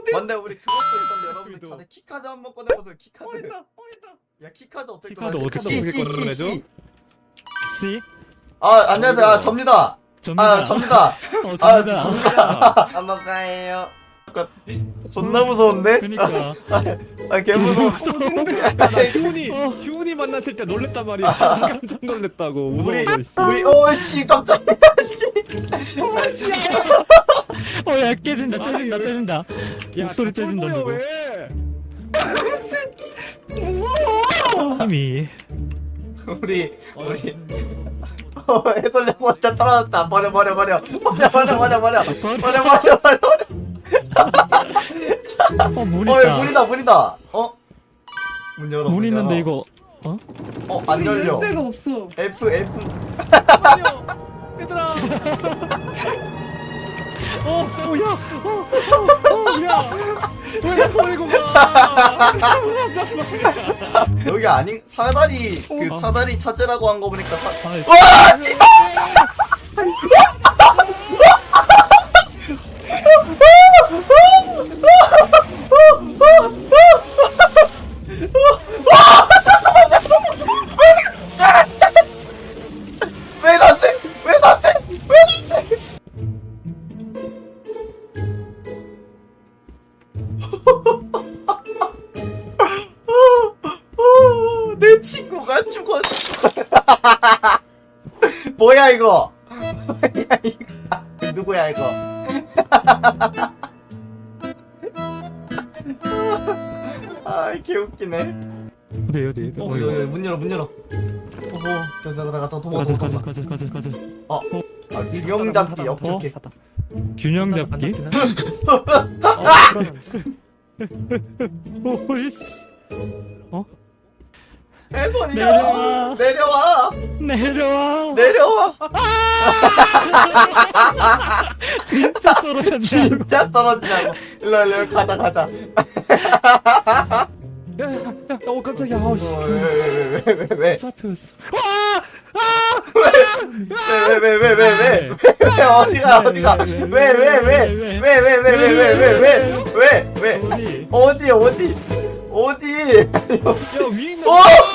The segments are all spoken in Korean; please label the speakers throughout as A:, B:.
A: 근데 우리 그것도 있던데 여러분들 다들 키카드 한번 꺼내보세요. 키카드. 야 키카드 어떻게
B: 키카드
A: 꺼내?
B: 어떻게
C: 꺼내죠?
B: C?
A: 안녕하세요. 접니다.
B: 접니다.
A: 접니다.
B: 접니다.
A: 접니다. 한번가예요. 존나 무서운데?
B: 그니까.
A: 개 무서워.
C: 나 휴훈이 만났을 때 놀랬단 말이야. 깜짝 놀랬다고. 무서워서.
A: 우리 오씨 깜짝이야. 씨.
B: 야 깨진다 깨진다.
C: 야,
B: 목소리 째진다
C: 꼴보여,
B: 누구.
C: 왜?
B: 힘이.
A: 우리 해설려고 한테 떨어졌다. 버려.
B: 문 있다.
A: 문이다. 문 열어.
B: 문 있는데 이거.
A: 안 열려.
D: 열쇠가 없어.
A: F.
C: 얘들아. 야. 왜 버리고 가?
A: 여기 아니 사다리 사다리 찾으라고 한 거 보니까
B: 아,
A: 씨발! 왜 나한테? 내 친구가 죽었어. 뭐야 이거? 누구야 이거? 개웃기네.
B: 어디.
A: 문 열어. 나 도망가.
B: 가자.
A: 균형 잡기 오케이.
B: 균형 잡기. 오이씨.
A: 해설이야. 내려와.
B: 진짜 떨어졌냐?
A: 진짜 떨어지냐고. 일로 가자.
C: 야, 깜짝이야. 아우씨.
A: 왜?
C: 잡혔어.
A: 왜? 어디가? 왜? 어디?
C: 야, 위에 있는.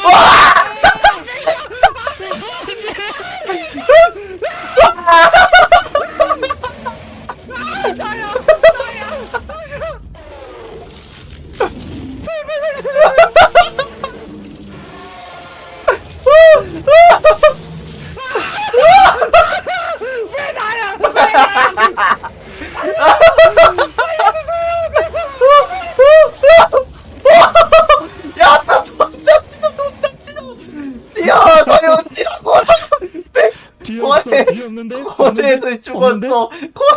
A: 야, 저 존나 뛰어. 너희 어디라고?
B: 뒤에 없어. 뒤에 없는데?
A: 거대에서 죽었어.
B: 없는데?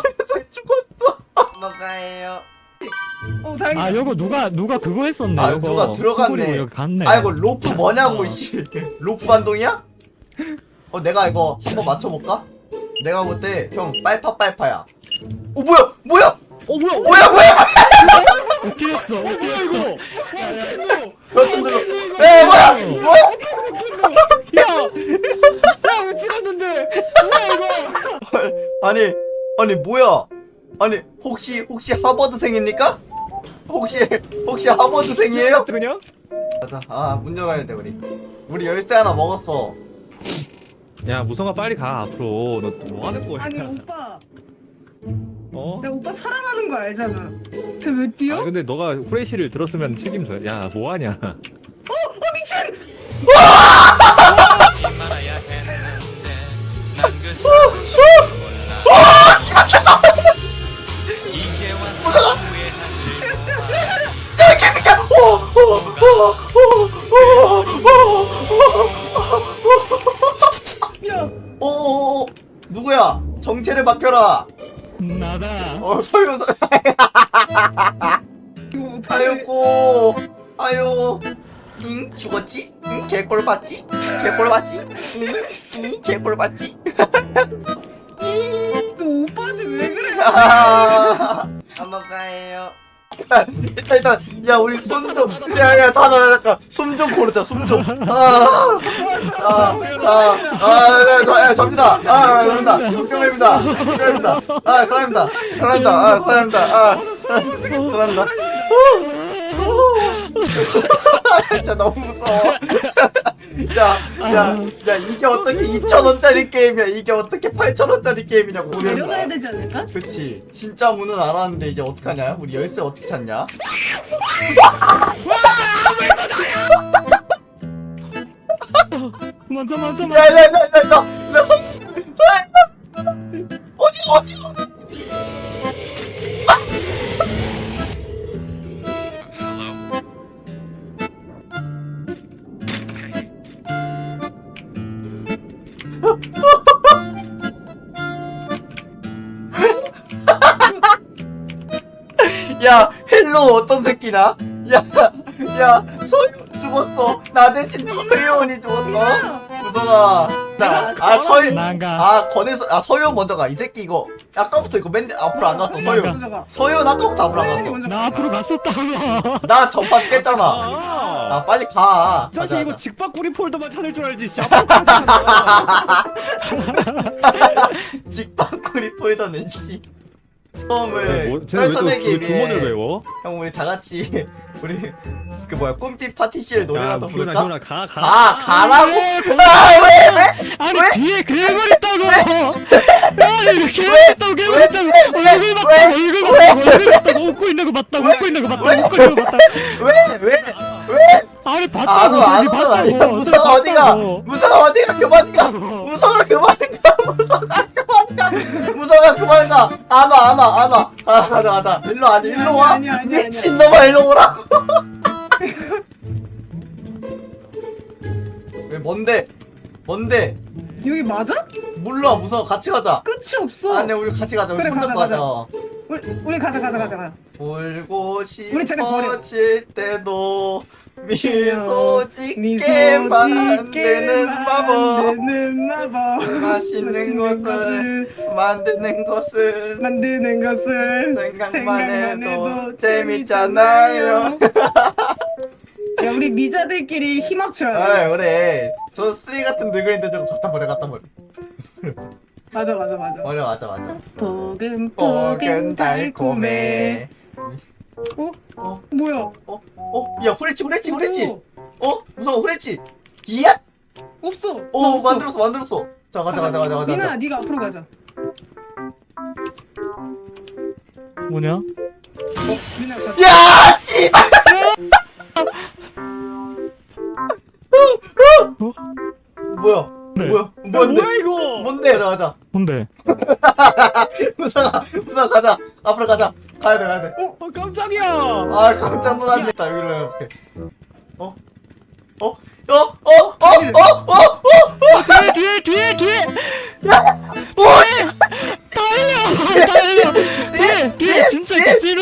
A: 뭐가예요?
D: 다행이다.
B: 아 이거 누가 그거 했었네.
A: 아,
B: 이거.
A: 누가 들어갔네.
B: 수고리고 여기 갔네.
A: 이거 로프 뭐냐고 씨. 로프 반동이야? 내가 이거 한번 맞춰볼까? 내가 볼 때 형 빨파야. 뭐야?
C: 뭐야?
B: 어떻게 했어?
C: 이거?
A: 버튼 눌러. 뭐야?
C: 야, 왜 찍었는데? 뭐야 이거?
A: 아니 뭐야? 아니 혹시 하버드생입니까? 혹시 하버드생이에요?
C: 그냥?
A: 가자. 문 열어야 돼 우리 열쇠 하나 먹었어.
C: 야, 무성아 빨리 가 앞으로. 너 뭐 하는 거야?
D: 아니 오빠,
C: 어?
D: 내가 오빠 사랑하는 거 알잖아. 쟤 왜 뛰어?
C: 근데 너가 후레쉬를 들었으면 책임져야. 야, 뭐 하냐?
D: 미친! 야,
A: 누구야? 정체를 맡겨라.
B: 나다.
A: 소윤.
D: 이거 어떡해.
A: 아이고. 잉 죽었지? 잉 개꼴 봤지? 잉 개꼴 봤지?
D: 너 오빠한테 왜 그래?
A: 한번 가요. 일단 야 우리 숨좀 야 잠깐 숨 좀 고르자 숨좀 접니다 접니다 걱정입니다 사랑합니다 잘한다. 진짜 너무 무서워. 야, 이게 어떻게 2,000원짜리 게임이야? 이게 어떻게 8,000원짜리 게임이냐고. 문을
D: 내려가야 되지 않을까?
A: 그치. 진짜 문은 알았는데 이제 어떡하냐? 우리 열쇠 어떻게 찾냐?
B: 맞아.
A: 야, 어디? 야, 헬로 어떤 새끼나? 야, 서윤 죽었어. 나 대신 서윤이 죽었어. 무성아.
B: 난가.
A: 서윤 먼저 가. 이 새끼 이거. 아까부터 이거 맨 앞으로 안 갔어, 서윤.
D: 먼저 가.
A: 서윤 아까부터 앞으로 안 갔어.
D: 먼저
B: 나
D: 가.
B: 앞으로 갔었다고.
A: 나 전판 깼잖아.
C: 아,
A: 아, 빨리 가.
C: 사실
A: 가자,
C: 이거
A: 가자.
C: 직박구리 폴더만 찾을 줄 알지. 씨.
A: 직방구리 폴더는 씨. 처음을
C: 쟤는
A: 떨쳐내기
C: 왜또 주문을
A: 위해
C: 외워?
A: 형 우리 다 같이 우리 그 뭐야 꿈빛 파티시엘 노래라도 부를까?
C: 희훈아 가.
A: 가라고? 왜?
B: 아니
A: 왜?
B: 뒤에 괴물 있다고. 아니 이거 괴물 있다고 괴물 있다고. 얼굴 봤다고 웃고 있는 거 봤다고 웃고 있는 거 봤다고.
A: 왜?
B: 아니
A: 안
B: 봤다고
A: 와,
B: 저기
A: 안 와.
B: 봤다고.
A: 무서워 어디가? 무서워 어디가? 그만 가. 무서워 그만 가. 무서워 그만 가. 안 와. 가자. 일로 와.
D: 아니야.
A: 미친놈아 일로 오라고. 왜 뭔데?
D: 여기 맞아?
A: 몰라 무서워 같이 가자.
D: 끝이 없어.
A: 아니 우리 같이 가자. 우리
D: 그래,
A: 손잡고
D: 가자.
A: 가자.
D: 우리 가자.
A: 울고
D: 우리 쟤네 버려.
A: 싶어질 때도 미소 짓게 만드는 마법. 맛있는 것을 만드는 것은 생각만 해도 재밌잖아요.
D: 야 우리 미자들끼리 힘 합쳐야 돼.
A: 그래. 저 쓰레기 같은 늙은이들 저거 갖다 버려.
D: 맞아.
A: 맞아.
D: 포근 달콤해. 뭐야?
A: 야 후레치.
D: 없어.
A: 무서워 후레치. 이야.
D: 없어.
A: 만들었어. 자 가자.
D: 민아 네가 앞으로 가자.
B: 뭐냐?
D: 민아 가자.
A: 야 씨발. 뭐야?
B: 네.
A: 뭔데?
C: 뭐야 이거?
A: 뭔데? 가자.
B: 뭔데?
A: 무서워 가자. 앞으로 가자. 가야 돼.
C: 깜짝이야.
A: 아 깜짝 놀랐네. 나 여기로 해볼게.
B: 뒤에.
A: 오씨.
B: 달려. 뒤에 진짜 있다. 찔러.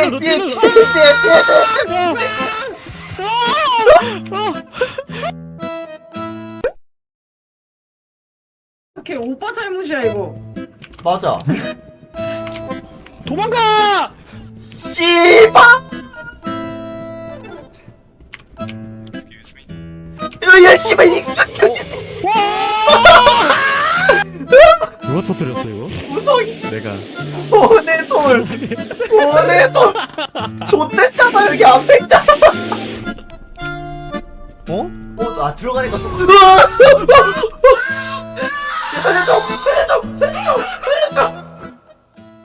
D: 오케이 오빠 잘못이야 이거.
A: 맞아.
C: 도망가.
A: 씨발. 야 씨발 이
B: 누가 터뜨렸어 이거?
A: 무성이
B: 내가.
A: 보내 손. 좆됐잖아 여기 앞에 있잖아. 들어가니까 좀.